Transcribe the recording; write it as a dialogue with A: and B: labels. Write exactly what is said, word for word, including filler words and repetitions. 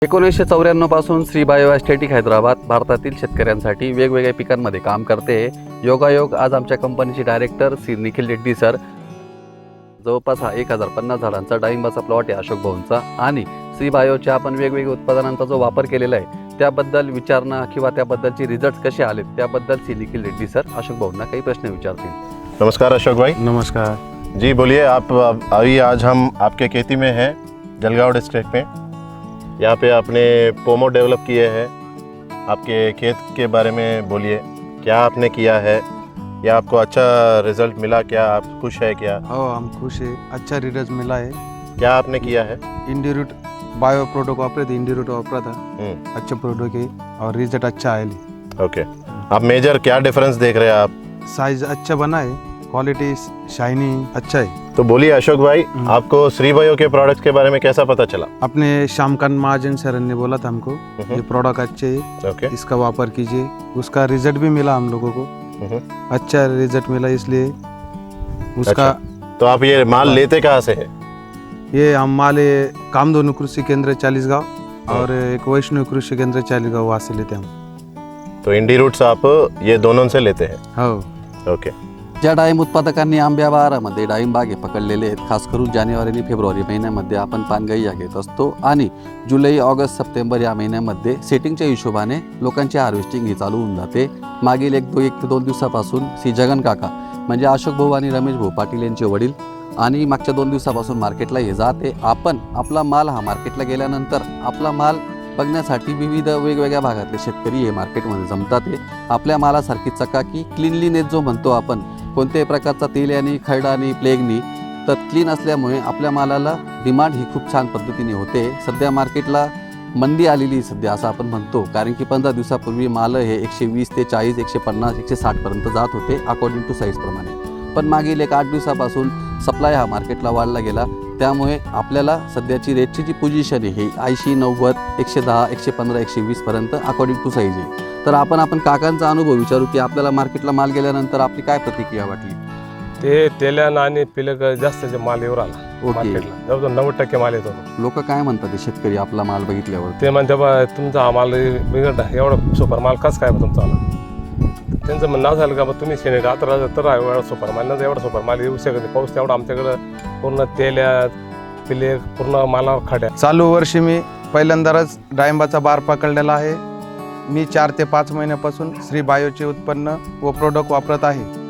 A: एकोणीसशे चौऱ्याण्णव पासून श्री बायो एस्थेटिक हैदराबाद भारतातील शेतकऱ्यांसाठी वेगवेगळ्या पिकांमध्ये काम करते। योगायोग आज आमच्या कंपनीचे डायरेक्टर श्री निखिल रेड्डी सर जवळपास हा एक हजार पन्नास झाडांचा डाळिंबाचा प्लॉट आहे अशोक भाऊंचा, आणि श्री बायोच्या आपण वेगवेगळ्या उत्पादनांचा जो वापर केलेला आहे त्याबद्दल विचारणं किंवा त्याबद्दलचे रिझल्ट कसे आले त्याबद्दल श्री निखिल रेड्डी सर अशोक भाऊंना काही प्रश्न विचारतील।
B: नमस्कार अशोक भाई।
C: नमस्कार
B: जी बोलिए। आप अभी आज हम आपके खेती में हैं जलगांव डिस्ट्रिक्ट में। यहाँ पे आपने पोमो डेवलप किए हैं। आपके खेत के बारे में बोलिए, क्या आपने किया है या आपको अच्छा रिजल्ट मिला, क्या आप खुश है क्या?
C: हो, हम खुश है, अच्छा रिजल्ट मिला है।
B: क्या आपने किया है?
C: इंडीरूट बायो प्रोडक्ट वापरे थे, इंडीरूट वापरा था,
B: हम्म,
C: अच्छा प्रोडक्ट है और रिजल्ट अच्छा है।
B: ओके। आप मेजर क्या डिफरेंस देख रहे हैं आप?
C: साइज अच्छा बना है, क्वालिटी शाइनिंग अच्छा है।
B: तो बोलिए अशोक भाई, आपको श्री बायो के प्रोडक्ट्स के बारे में कैसा पता चला?
C: अपने श्यामकांत महाजन सर ने बोला था हमको
B: हम्म।
C: ये प्रोडक्ट अच्छे है,
B: ओके।
C: इसका वापर कीजिए। उसका रिजल्ट भी मिला हम लोगों को,
B: हम्म,
C: अच्छा रिजल्ट मिला, इसलिए उसका
B: अच्छा। तो आप ये माल लेते कहाँ से है?
C: ये हम माले कामधेनु कृषि केंद्र चालीसगांव और एक वैष्णव कृषि केंद्र चालीसगांव वहाँ से लेते हैं हम।
B: तो इंडी रूट्स आप ये दोनों से लेते हैं?
C: हो।
B: ओके।
A: ज्या डाळिंब उत्पादकांनी आंब्या बहारामध्ये डाळिंब बागे पकडलेले आहेत, खास करून जानेवारी आणि फेब्रुवारी महिन्यामध्ये आपण पानगळी या घेत असतो आणि जुलै ऑगस्ट सप्टेंबर या महिन्यामध्ये सेटिंगच्या हिशोबाने लोकांची हार्वेस्टिंग ही चालू होऊन जाते। मागील एक दो एक ते दोन दिवसापासून श्री जगन काका म्हणजे अशोक भाऊ आणि रमेश भाऊ पाटील यांचे वडील आणि मागच्या दोन दिवसापासून मार्केटला हे जाते। आपण आपला माल हा मार्केटला गेल्यानंतर आपला माल बघण्यासाठी विविध वेगवेगळ्या भागातले शेतकरी हे मार्केटमध्ये जमतात। हे आपल्या मालासारखी चकाकी क्लीनलीनेस जो म्हणतो आपण, कोणत्याही प्रकारचा तेल्यानी खरडानी प्लेगनी तर क्लीन असल्यामुळे आपल्या मालाला डिमांड ही खूप छान पद्धतीने होते। सध्या मार्केटला मंदी आलेली सध्या असं आपण म्हणतो, कारण की पंधरा दिवसापूर्वी माल हे एकशे वीस ते चाळीस एकशे पन्नास एकशे साठ पर्यंत जात होते अकॉर्डिंग टू साईज प्रमाणे। पण मागील एक आठ दिवसापासून सप्लाय हा मार्केटला वाढला गेला, त्यामुळे आपल्याला सध्याची रेटची जी पोझिशन आहे ही ऐंशी नव्वद एकशे दहा एकशे पंधरा एकशे वीस पर्यंत अकॉर्डिंग टू साईज आहे। तर आपण आपण काकांचा अनुभव विचारू की आपल्याला मार्केटला माल गेल्यानंतर आपली काय प्रतिक्रिया वाटली?
D: ते तेल्यानं आणि पिलक जास्त जे माल येऊ राहिला मार्केटला, जवळजवळ नव्वद टक्के माल येतो।
A: लोक काय म्हणतात ते शेतकरी आपला माल बघितल्यावर?
D: ते म्हणते बा तुमचा हा माल बिघडला, एवढा सुपर माल कस काय तुमचा आला? त्यांचं म्हणणं झालं का बा तुम्ही शेणे रात्र तर एवढा सुपर माल नाही, एवढा सुपर माल येऊ शकत नाही, पाऊस तेवढा आमच्याकडं पूर्ण तेल्या पिले पूर्ण मालावर खड्या।
C: चालू वर्षी मी पहिल्यांदाच डाळिंबाचा बार पकडलेला आहे। मी चार ते पाच महिन्यापासून श्री बायोचे उत्पन्न व प्रोडक्ट वापरत आहे।